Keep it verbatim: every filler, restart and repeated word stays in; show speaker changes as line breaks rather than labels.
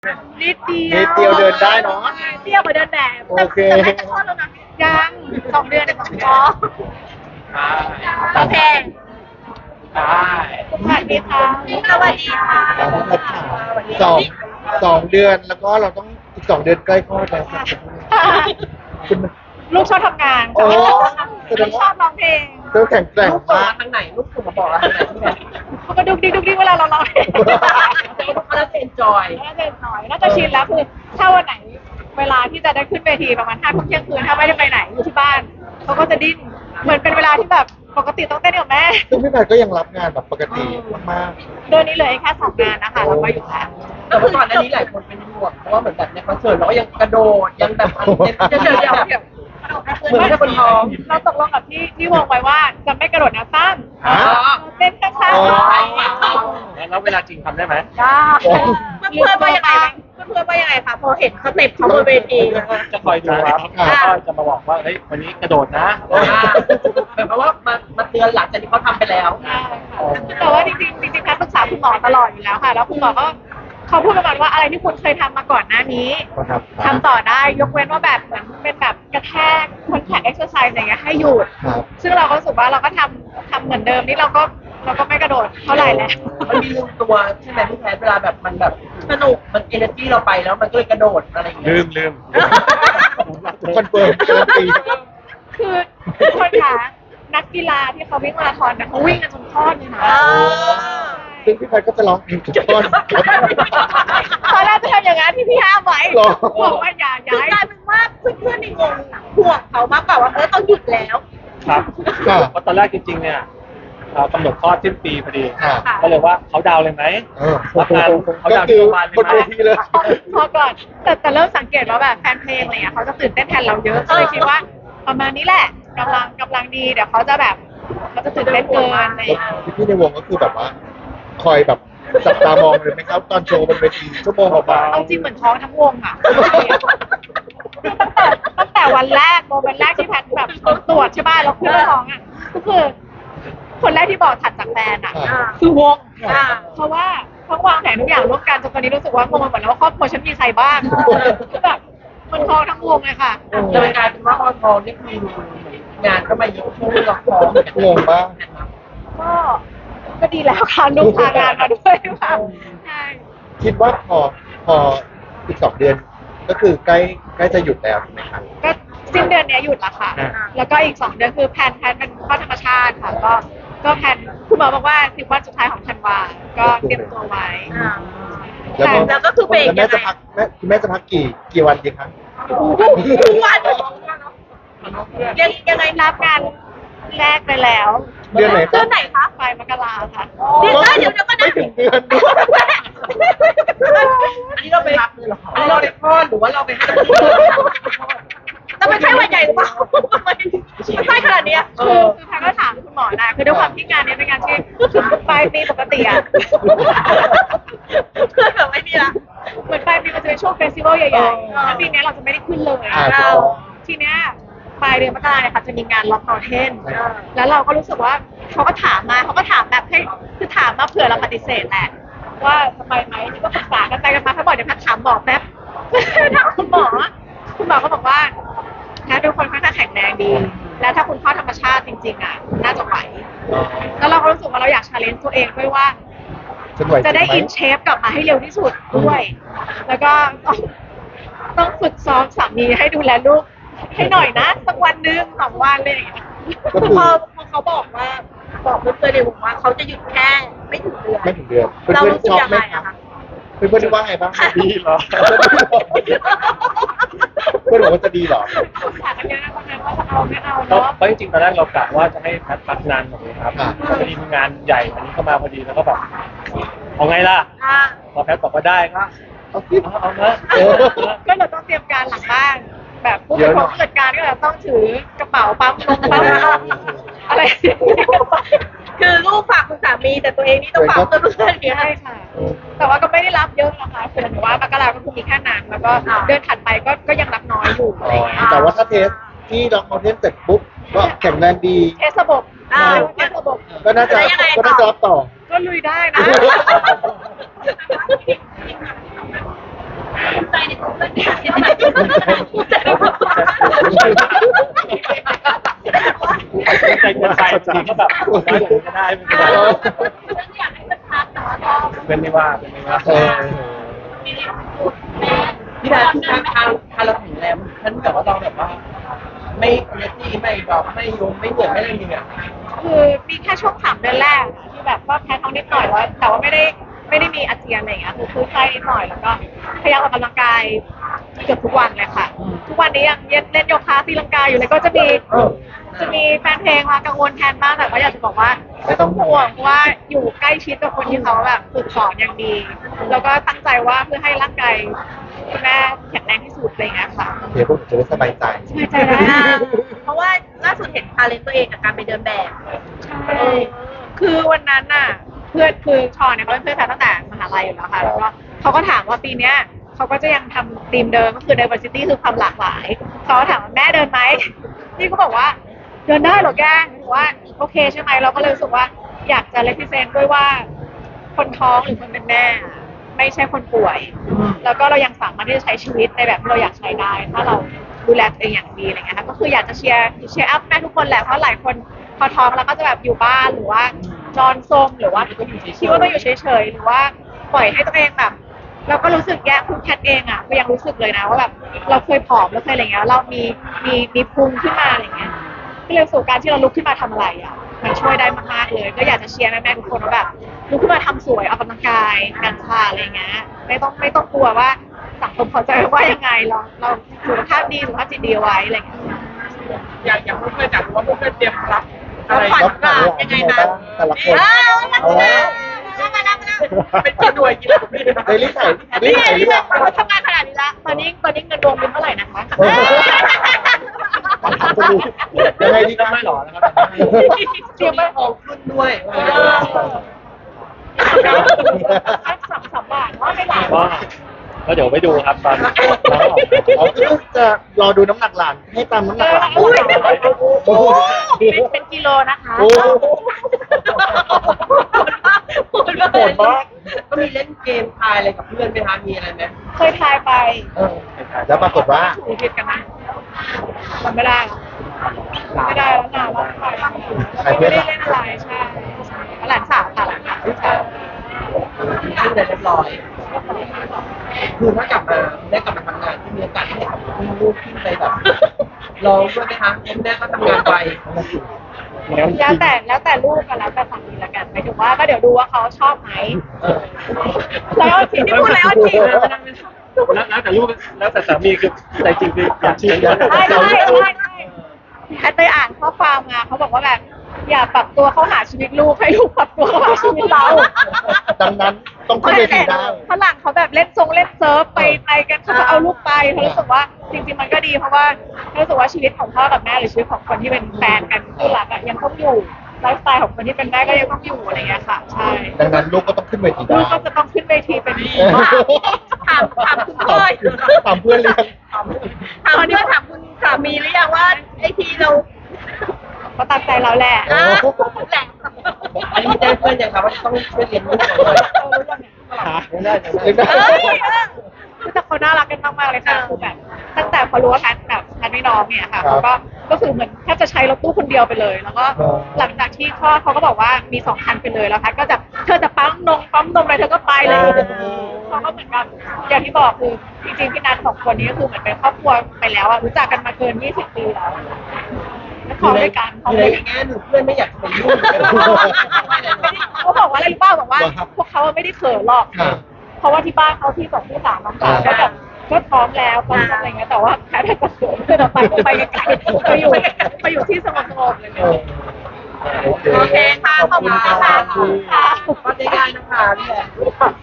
นิดเดียว
นิดเดียวเดินได้เนอะ
เดียวกว่าเดินแบบ
โอเค
แต่แต่แม่จะคลอดแล้วนะยังสองเดือนอ๋อโอเค
ได้
สวัสดีค่ะสวัสดีค่ะ
เราต้องรักษาสองสองเดือนแล้วก็เราต้องอีกสองเดือนใกล้คลอดแล้วครับคุณ
ลูกชอบทำงาน
โอ้
ลูกชอบร้องเพลง
เธอแข็งแกร่ง
ลูกส่ง
มาก
มาทางไหนลูกส่งมาบอกเราทางไหนที่ไหน
เขาก็ดุกดิกดุกดิกเวลาเราร้องเพลง
เขาจะเอ็นจอย
น่าจะหน่อยน่าจะชินแล้วคือถ้าวันไหนเวลาที่จะได้ขึ้นเวทีประมาณห้าทุ่มเที่ยงคืนถ้าไม่ได้ไปไหนอยู่ที่บ้านเขาก็จะดิ้นเหมือนเป็นเวลาที่แบบปกติต้องเต้นกับแม่
ซึ่งพี่แพทย์ก็ยังรับงานแบบปกติมาก
เดือนนี้เหลยแค่สองงานนะคะแล้วก็อยู่แล้ว
แต่เมื่อก่อนอันนี้หลายคนเป็นห่วงเพราะว่าเหมือนแบบในคอนเสิร์ตเราก็ยังกระโดดยังแบบเดี๋ยวเดี๋ยวเดี๋ยวเดี๋ยวเหมือนกับคนท้อง
เราตกลงกับที่ที่วงไว้ว่าจะไม่กระโดดน้ำตั้ม
ๆฮะ
เต้นข้าง
อ๋อ
ๆ
แล้วเวลาจริงทำได้ไหม
ได้
เพื่อนๆว่ายังไงเพื่อนๆว่ายังไงคะพอเห็นสเต็ปเขาบนเวที
จะคอยดูครับ
อ่า
แล้วก็จะมาบอกว่าเฮ้ยวันนี้กระโดดนะ
แบบว่ามามาเตือนหลังจากที่เขาทำไปแล้ว
ได้ค่ะแต่ว่าจริงๆจริงๆแพทย์ปรึกษาคุณหมอตลอดอยู่แล้วค่ะ แล้วคุณหมอก็เขาพูดประมาณว่าอะไรที่คุณเคยทำมาก่อนหน้านี้
ครับ
ทำต่อได้ยกเว้นว่าแบบเหมือนเป็นแบบกระแทกคอนแทคเอ็กซ์ไซส์อะไรเงี้ยให้หยุด
ครับ
ซึ่งเราก็รู้สึกว่าเราก็ทำทำเหมือนเดิมนี่เราก็เราก็ไม่กระโดดเท่าไหร่แล้ว
มันมีลืมตัวใช่ไหมพี่แพทย์เวลาแบบมันแบบสนุกมันเอเนอร์จีเราไปแล้วมันก็เลยกระโดดอะไรอย่างเงี้
ลื
ย
มลืม
คอนเฟิร์มการันตี
คือทุกคนคะนักกีฬาที่เขาวิ่งมาราธอนเนี่ยเขาวิ่งกันจนคลอดเลยนะ
ซึ่งพี่แพทย์ก็จะร้องเพลงทุกท่อน
ตอนแรกจะทำอย่างนั้นที่พี่ห้ามไว้
หรอ
บอกว่าอย่าอย่า
คือกลายเป็นว่าเพื่อนๆในวงห่วงเขามากกว่าว่าเออต้องหยุดแล้ว
ครับ
ค่ะ
เพราะตอนแรกจริงๆเนี่ยเรากำหนดคลอดสิ้นปีพอดี
ค่ะ
ก็เลยว่าเขาดาวน์เลยไหม
เออ
รับงานเขา
ก็
ดาวน์
คื
ที่
อ
โรงพยาบาล
บน
เลย
เว
ไหม
ทีเลย
พอก่อนแต่แต่เริ่มสังเกตว่าแบบแฟนเพลงอะไรเงี้ยเขาจะตื่นเต้นแทนเราเยอะก็เลยคิดว่าประมาณนี้แหละกำลังกำลังดีเดี๋ยวเขาจะแบบเขาจะตื่นเต้นเกินอะไร
แล้ว
เงี้ย
พี่ๆในวงก็คือแบบว่า คอยแบบจับตามองเลยไหมครับ ตอนโชว์บนเวทีชั่วโมงกว่า
เอาจริงเหมือนท้องทั้งวงอ่ะตั้งแต่ตั้งแต่วันแรกโมเมนต์แรกที่แพทแบบตรวจใช่ป่ะแล้วขึ้นมาท้องอ่ะก็คือคนแรกที่บอกถัดจากแฟนอ่ะ
อ่า
คือวง
อ่า
เพราะว่าทั้งวางแผนทุกอย่างร่วมกันจนตอนนี้รู้สึกว่างงไปหมดแล้วว่าครอบครัวฉันมีใครบ้างคือแบบมันท้องทั้งวงเลยค่ะ
จะเป็นกลายเป็นว่าออนทองนี่คืองานก็มาเยอะช่วงละคร
งงปะ
ก็ก็ดีแล้วค่ะลูกพางานมาด้วยค่ะใช่
คิดว่าพอพออีกสองเดือน ก็คือใกล้ใกล้จะหยุดแล้วถูกไหมครับ
ก็สิ้นเดือนเนี้ยหยุดละค่ะ แล้วก็อีกสองเดือนคือแพลนแพลนเป็นข้อธรรมชาติค่ะ ก็ก็แพลนคุณหมอบอกว่าสิบวันสุดท้ายของธันวาก็เตรียมตัวไว้
แล้วก็
แล้วก็คือเบรก
แล้วแม่
ยังไง
จะพักแม่คุณแม่จะพักกี่กี่วันดีครับ
ทุกวันยังยังไง
รับงานแรกไปแล้ว
เดือนไหนค
เดื
รั
อบ นไหนคะ
ปลายมกราค่ะ
เดือนหน้าเดี๋ยวเดี๋ยวก็
ไม่
ได้
ถึงเดือน
อันนี้เราไปรับเลยเหรออันนี้เราไปคลอดหรือว่าเราไปให้
แต่มันใช่วันใหญ่หรือเปล่ามันใช่ขนาดเนี้ย
คือคือแพนก็ถามคุณหมอนะคือด้วยความที่งานนี้เป็นงานที่ปลายปีปกติอะ
เพื่อนแบบไม่มีละ
เหมือนปลายปีมันจะเป็นช่วงเฟสติวัลใหญ่ๆแล้วปีนี้เราจะไม่ได้ขึ้นเลย
อ่า
เราทีเนี้ยปลายเดือนมกราเนี่ยค่ะจะมีงานล็อกนอเทนแล้วเราก็รู้สึกว่าเขาก็ถามมาเขาก็ถามแบบให้คือถามมาเผื่อเราปฏิเสธแหละว่าจะไปไหมนี่ก็ปรึกษากันไปกันมาเขาบอกเดี๋ยวแพทย์ถามบอกแป๊บ ถามคุณหมอคุณหมอก็บอกว่าแพทย์เป็นคนค่อนข้างแข็งแรงดี แล้วถ้าคุณเข้าธรรมชาติจริงๆอ่ะน่าจะไหว แล้วเราก็รู้สึกว่าเราอยากชาเลนจ์ตัวเองด้วยว่า
ฉันไหว
จะได้
จริงหม
อินเชฟกลับมาให้เร็วที่สุดด้วย แล้วก็ต้องต้องฝึกซ้อมสามีให้ดูแลลูกให้หน่อยนะสักวันหนึงสองวันเลยอย่างเงี้ย
ก็คือ
พอพอเขาบอกว่าบอกเพื่อนๆในวงว่าเขาจะหยุดแค่ไม่ถึงเดือน
ไม่ถึงเดือนเพื่
เรา
อน
รู้
ๆ
สึ
ช
ก
อบ
ยัง
ไหม
ไง
ครั
อะ
บ
คะ
เพื่อนๆว่าไงบ้าง
ดีเหรอ
เพื่อนบอกว่าจะดีเหรอ
ปรึกษากันเยอะนะตอนนั้นว่าจะเอาไม่เอา
ก็
เนาะ
เพราะจริงๆตอนแรกเรากะว่าจะให้แพทพักนานกว่านี้ครับ
อ่า
พอดีมีงานใหญ่อันนี้เข้ามาพอดีแล้วก็แบบเอาไงล่ะ
อ่า
พอแพทบอกว่าได้ก็
เอาสิ
เอาเอานะ
เออ
ก็เราต้องเตรียมการหลังบ้านแบบผู้บริหารผู้จัดการก็แบบต้องถือกระเป๋าปั๊มลงปั๊มอะไร
คือลูกฝากคุณสามีแต่ตัวเองนี่ต้องฝากเพื่อนๆเนี่ย
ใช่ค่ะ แต่ว่าก็ไม่ได้รับเยอะนะคะคือหนูว่ามกราก็คือมีแค่นั้นแล้วก็เดือนถัดไปก็ก็ยังรับน้อยอยู่อะไรอย่างเงี้ย
แต่ว่าถ้าเทสที่ล็อกคอนเทนต์เสร็จปุ๊บก็แข็งแรงดี
เทสระบบ
อ่า
เทสระบบ
ก็น่าจะ
แล้วยังไงต่อ
ก็น่าจะรับต่อ
ก็ลุยได้นะ
อ
ใจเกินไปบางทีก็แบบได้เลยก็ได้ไม่เป็นไร
อยากให้มันพักแต่ว่าก็
เป็นไม่ว่าเป็นไม่ว่า
เออ
พี่ดาทางทางทางเราถึงแล้วท่านแบบว่าเราแบบว่า ไม่เนตี้ไม่แบบไม่ยมไม่เหนื่อยไม่อะไรอย่างเงี้ย
คือมีแค่ช่วงสามเดือนแรกอะที่แบบว่าแพ้ท้องนิดหน่อยแล้วแต่ว่าไม่ได้ไม่ได้มีอาเจียนอะไรอย่างเงี้ยคือคือไข้นิดหน่อยแล้วก็พยายามออกกำลังกายเกือบทุกวันเลยค่ะ ทุกวันนี้ยังเล่นโยคะตีลังกาอยู่เลยก็จะมีจะมีแฟนเพลงมากังวลแทนบ้างแต่ก็อยากจะบอกว่าไม่ต้องห่วงเพราะว่าอยู่ใกล้ชิดกับคนที่เขาแบบฝึกสอนอย่างดี แล้วก็ตั้งใจว่าเพื่อให้ร่างกายคุณแม่แข็งแรงที่สุดอะไรอย่างเงี้ยค่ะ
เดี๋ยวพวกหนูจะได้สบายใจ
สบายใจได้
เพราะว่าล่าสุดเห็นทาเลนตัวเองกับการไปเดินแบบ
ใช่คือวันนั้นน่ะเพื่อนคือชอนเนี่ยเขาเป็นเพื่อนกันตั้งแต่มหาลัยอยู่แล้วค่ะแล้วก็เขาก็ถามว่าปีเนี้ยเขาก็จะยังทำธีมเดิมก็คือ diversity คือความหลากหลายเขาก็ถามว่าแม่เดินไหมนี่ก็บอกว่าเดินได้เหรอแกหรือว่าโอเคใช่ไหมเราก็เลยรู้สึกว่าอยากจะ represent ด้วยว่าคนท้องหรือคนเป็นแม่อะไม่ใช่คนป่วย แล้วก็เรายังสามารถที่จะใช้ชีวิตในแบบที่เราอยากใช้ได้ ถ้าเราดูแลตัวเองอย่างดีอะไรเงี้ยค่ะก็คืออยากจะเชียร์เชียร์อัพแม่ทุกคนแหละเพราะหลายคนพอท้องแล้วก็จะแบบอยู่บ้านหรือว่านอนซมหรือว่าคิดว่าต้องอยู่เฉยๆหรือว่าปล่อยให้ตัวเองแบบ เราก็รู้สึกแย่คุณแคทเองอ่ะก็ยังรู้สึกเลยนะว่าแบบเราเคยผอมเราเคยอะไรเงี้ยเรามีมีมีพุงขึ้นมาอะไรเงี้ยก็เลยสู่การที่เราลุกขึ้นมาทำอะไรอ่ะมันช่วยได้มากๆเลย ก็อยากจะเชียร์แม่ๆทุกคนว่าแบบลุกขึ้นมาทำสวยออกกำลังกายการชาอะไรเงี้ยไม่ต้องไม่ต้องกลัวว่าสังคมเขาจะว่ายังไงเราเราสุขภาพดีสุขภาพจิตดีเอาไว้อะไรเงี้ย
อยากอยากพูดเพื่อนจากว่าเพื่อนเตรียมรับอะไร
ขวัญ
รับข่าวยังไงบ้างแต่ละคน
อ้าวมา
เอา
แล้
แล้ว
วมาแล้วมาแล้ว
เป็นกี่หน่วยกี่หน่วย
เฮ้ยรีบใส่รี
นี่
บ
ไง
ใส่รี
ที่
บ
แบ
ใส่
บเราทำงานขนาดนี้ละตอนนี้ตอนนี้เงินรวมเป็นเท่าไหร่นะคะ
เออยังไงดีครับ
ไม่หรอนะครับ
เตรียมไว้
ทองขึ้นด้วย
สักสองสามบาทว่าไม่หลาย
ก็ก็เดี๋ยวไปดูครับตอนน้องออก
อ๋อคือจะรอดูน้ำหนักหลานให้ตามน้ำหนักหลาน
อุ้ย
โอ้โห
เป็นเป็นกิโลนะคะ
โอ้โห
โหดมาก
โหดมาก
ก็มีเล่นเกมทายอะไรกับเพื่อนไหมคะมีอะไรไหม
เคยทายไป
เออแล้วปรากฏว่า
ถูกผิดกันนะจำไม่ได้แล้วไม่ได้แล้วนานแล้วทายไม่ได้เล่นอะไรใช่หลานสาวค่ะหลานสาวลูกสาว
ขึ้นแต่เรียบร้อย คือถ้ากลับมาได้กลับมาทำงานที่มีโอกาสที่จะคุณลูกขึ้นไปแบบร้องด้วยไหมคะคุณแม่ก็ทำงานไป
แล้วแต่แล้วแต่ลูกกันแล้วแต่สามีละกันหมายถึงว่าก็เดี๋ยวดูว่าเขาชอบไหม
เออ
แล้วจริงที่พูดแล้วจริง
แล้วแล้วแต่ลูกแล้วแต่สามีคือใจจริงคืออยากเชียร์
ใช่ใช่ใช่ใช่แอตเตยอ่านข้อความมาเขาบอกว่าแบบอย่าปรับตัวเข้าหาชีวิตลูกให้ลูกปรับตัวเข้าหาชีวิตเรา
ดังนั้นต้องขึ้นเวทีได้
ฝรั่งเขาแบบเล่นทรงเล่นเซิร์ฟไปไปกันเขาก็เอาลูกไปเขารู้สึกว่าจริงๆมันก็ดีเพราะว่ารู้สึกว่าชีวิตของพ่อกับแม่หรือชีวิตของคนที่เป็นแฟนกันคู่รักอะยังต้องอยู่ไลฟ์สไตล์ของคนที่เป็นแม่ก็ยังต้องอยู่อะไรเงี้ยค่ะใช่
ดังนั้นลูกก็ต้องขึ้นเวที
ลู
ได้
กก็จะต้องขึ้นเวทีเป็น
ถามถามคุณพ่อ
ถามเพื่อนเรียน
ถามเพื่อนถามคุณสามีหรือยังว่าไอทีเรา
เขาตามใจเราแหละ
อ่ะแหละ
อันนี้แจ้งเพื่อนยังครับว่าต้องช่วยเรียนรู้ก่อนเลย
เออรู้ยังไง
ไม่ได้ไม่
เรียน
ได้
ได้
เอ้ยเออ
คือแต่เขาน่ารักกันมากๆเลยค่ะคือแบบตั้งแต่พอรู้ว่าแพทแบบแพทไม่น้องเนี่ยค่ะเขาก็ก็คือเหมือนแทบจะใช้รถตู้คนเดียวไปเลย แล้วก็หลังจากที่คลอดเขาก็บอกว่ามีสองคันไปเลยแล้วแพทก็จะเธอจะปั๊มนมปั๊มนมอะไรเธอก็ไปเลยเขาก็เหมือนกับอย่างที่บอกคือจริงๆพี่นัทสองคนนี้ก็คือเหมือนเป็นครอบครัวไปแล้วอะรู้จักกันมาเกินยี่สิบปีแล้วแล้วท้องด้วยกันท้อง
ใน
ด้วยกัน
แง่หนึ่งเพื่อนไม่อยากจะไปยุ่ง
เขาบอกว่าอะไรรู้ป่าวบอกว่า พวกเขาไม่ได้เขินหรอก
ค่ะ
เพราะว่าที่บ้านเขาที่สองที่สามน้องสาวก็แบบก็พร้อมแล้วพร้อมอะไรเงี้ยแต่ว่าแพ้ไปกระสุนคือเราไปไปไกลๆไปอยู่ไปอยู่ที่สงบๆเลย
เออโอเค
โอเคค่ะขอบคุณค่ะ
ขอบคุณค่ะ
ค่ะ
ก็ได้นะคะพี่แหละ